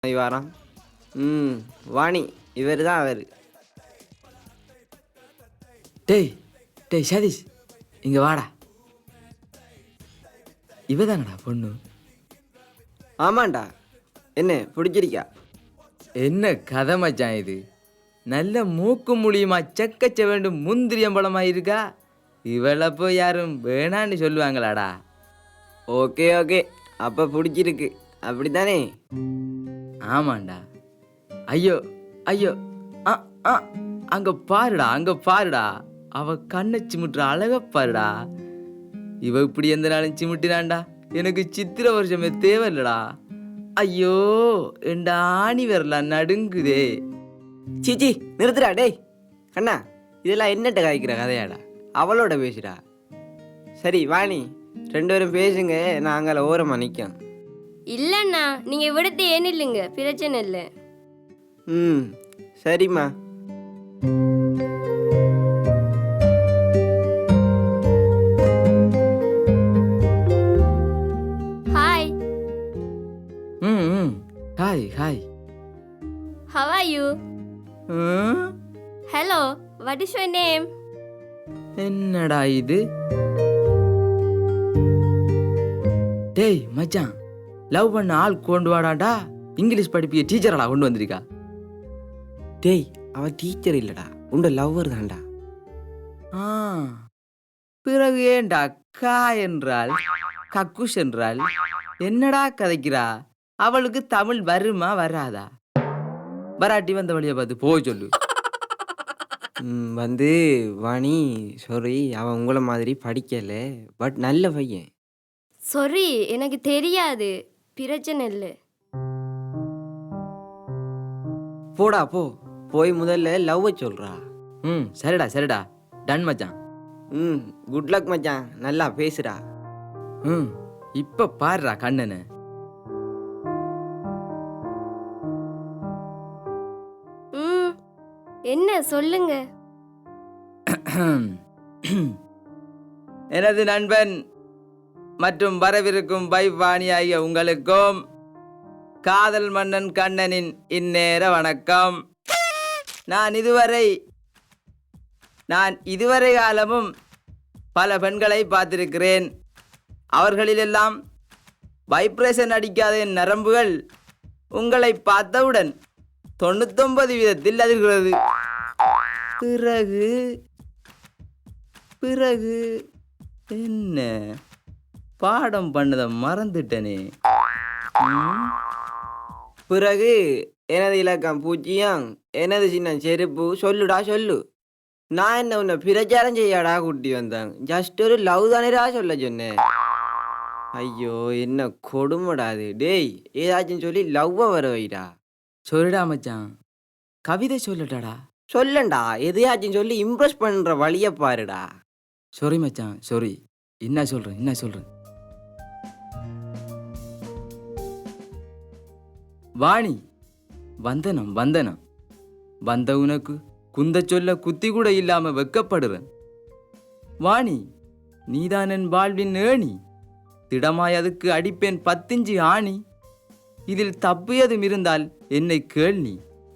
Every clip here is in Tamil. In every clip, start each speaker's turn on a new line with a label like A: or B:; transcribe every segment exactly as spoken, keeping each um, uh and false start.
A: வாரம் ம் வாணி இவர் தான் அவர்.
B: டேய் டேய் சதீஷ் இங்க வாடா. இவ தானடா பொண்ணு?
A: ஆமாண்டா. என்ன பிடிச்சிருக்கா?
B: என்ன கதை மச்சான் இது? நல்ல மூக்கு மூலியமா செக்கச்ச வேண்டும் முந்திரியம்பளமா இருக்கா. இவளை போய் யாரும் வேணான்னு சொல்லுவாங்களாடா?
A: ஓகே ஓகே, அப்போ பிடிச்சிருக்கு அப்படித்தானே?
B: ஆமாண்டா. ஐயோ ஐயோ ஆ ஆ அங்க பாருடா, அங்க பாருடா, அவ கண்ணை சிமிட்டுற அழக பாருடா. இவ இப்படி எந்த நாளும் சிமிட்டினான்டா எனக்கு சித்திர வருஷமே தேவையில்லடா. ஐயோ என் ஆணி வரலாம் நடுங்குதே.
A: சீச்சி நிறுத்துடா டேய். கண்ணா இதெல்லாம் என்னட்ட காய்க்கிற கதையாடா? அவளோட பேசுடா. சரி வாணி ரெண்டு பேரும் பேசுங்க, நான் அங்கே ஓரமாக நிற்கும்.
C: இல்லைண்ணா, நீங்கள் விடுத்து ஏன் இல்லைங்க, பிரச்சனை இல்லை.
A: ம் சரிம்மா.
C: ஹாய்.
B: ம் ம் hi hi.
C: How are you? Hello, what is your name?
B: என்னடா இது? டேய் மச்சான், லவ் பண்ண ஆள் கொண்டு வாடாடா. இங்கிலீஷ் படிப்பிய டீச்சரடா கொண்டு வந்திருக்கா.
A: டேய் அவன் டீச்சர் இல்லடா, உண்ட லவ்வர் தான்டா.
B: ஆ பிறகு ஏண்டா கா என்றால் கக்குஷ் என்றால் என்னடா கதைக்கிறா? அவளுக்கு தமிழ் வருமா வராதா? வராட்டி வந்த வழியை பார்த்து போய் சொல்லு.
A: ம் வந்து வாணி சாரி, அவன் உங்களை மாதிரி படிக்கல, பட் நல்ல பையன்.
C: சாரி, எனக்கு தெரியாது, பிரச்சனை இல்லை.
A: போடா போ, போய் முதல்ல லவ்வை சொல்றா.
B: ம் சரிடா சரிடா, டன் மச்சான்.
A: ம் குட் லக் மச்சான், நல்லா பேசுடா.
B: ம் இப்ப பாருடா கண்ணனு.
C: ம் என்ன சொல்லுங்க.
B: எனது நண்பன் மற்றும் வரவிருக்கும் பைவாணி ஆகிய உங்களுக்கும் காதல் மன்னன் கண்ணனின் இந்நேர வணக்கம். நான் இதுவரை நான் இதுவரை காலமும் பல பெண்களை பார்த்திருக்கிறேன். அவர்களிலெல்லாம் வைப்ரேஷன் அடிக்காத என் நரம்புகள் உங்களை பார்த்தவுடன் தொண்ணூத்தொன்பது வீதத்தில் அதிர்கிறது. பிறகு பிறகு என்ன பாடம் பண்ணதை மறந்துட்டனே.
A: பிறகு எனது இலக்கம் பூஜ்ஜியம், எனது சின்ன செருப்பு. சொல்லுடா சொல்லு. நான் என்ன உன்னை பிரச்சாரம் செய்யாடா கூட்டி வந்தேன், ஜஸ்ட் ஒரு லவ் தானேடா சொல்ல சொன்னேன். ஐயோ என்ன கொடுமடாது. டேய் ஏதாச்சும் சொல்லி லவ்வை வர வைடா.
B: சொல்லிடா மச்சான், கவிதை சொல்லட்டாடா.
A: சொல்லண்டா, எதையாச்சும் சொல்லி இம்ப்ரெஸ் பண்ற வழியை பாருடா.
B: சாரி மச்சான் சாரி. என்ன சொல்றேன் என்ன சொல்றேன். வாணி வந்தனம் வந்தனம். வந்த உனக்கு குந்த சொல்ல குத்தி கூட இல்லாம வெக்கப்படுறேன். வாணி நீதான் என் வாழ்வின் ஏணி, திடமாய் அதுக்கு அடிப்பேன் பத்திஞ்சு ஆணி. இதில் தப்பியதும் இருந்தால் என்னை கேள்வி.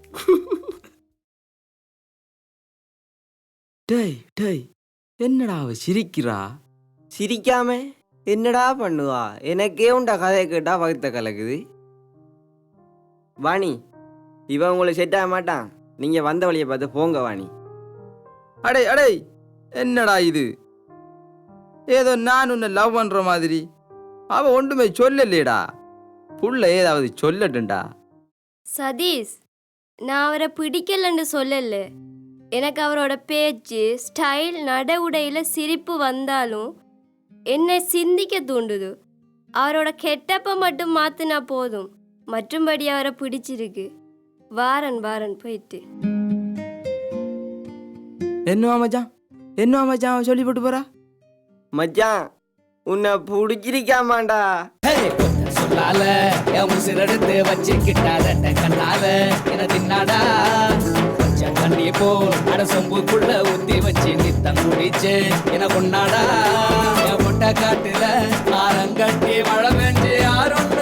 B: டேய் டேய் என்னடா அவ சிரிக்கிறா?
A: சிரிக்காம என்னடா பண்ணுவா? எனக்கே உண்டா கதையை கேட்டா வகுத்த கலக்குது. வாணி இவன் உங்களுக்கு செட் ஆக மாட்டான், நீங்க வந்த வழியை பார்த்து போங்க வாணி.
B: அடே அடே என்னடா இது? ஏதோ நான் உன்னை லவ் பண்ற மாதிரி. அவ ஒன்றுமே சொல்லலேடா. புள்ள ஏதாவது சொல்லட்டுண்டா.
C: சதீஷ், நான் அவரை பிடிக்கலன்னு சொல்லல. எனக்கு அவரோட பேச்சு ஸ்டைல் நட உடையில் சிரிப்பு வந்தாலும் என்னை சிந்திக்க தூண்டுது. அவரோட கெட்டப்பை மட்டும் மாற்றினா போதும், மற்றும்படி அவரை பிடிச்சிருக்கு. வாரன் வாரன் போயிட்டு.
B: என்னவா மச்சான் என்னவா மச்சான் அவன் சொல்லி போட்டு போறா?
A: மச்சான் உன்னை பிடிச்சிருக்காமாண்டா.
D: சொல்லால என் உசிரெடுத்து வச்சுக்கிட்டாத கண்ணால என தின்னாடா. கொஞ்சம் தண்ணி போல் அட சொம்புக்குள்ள ஊத்தி வச்சு நித்தம் குடிச்சு என கொண்டாடா. என் முட்டை காட்டுல ஆரங்கட்டி மழை பெஞ்சு யாரும்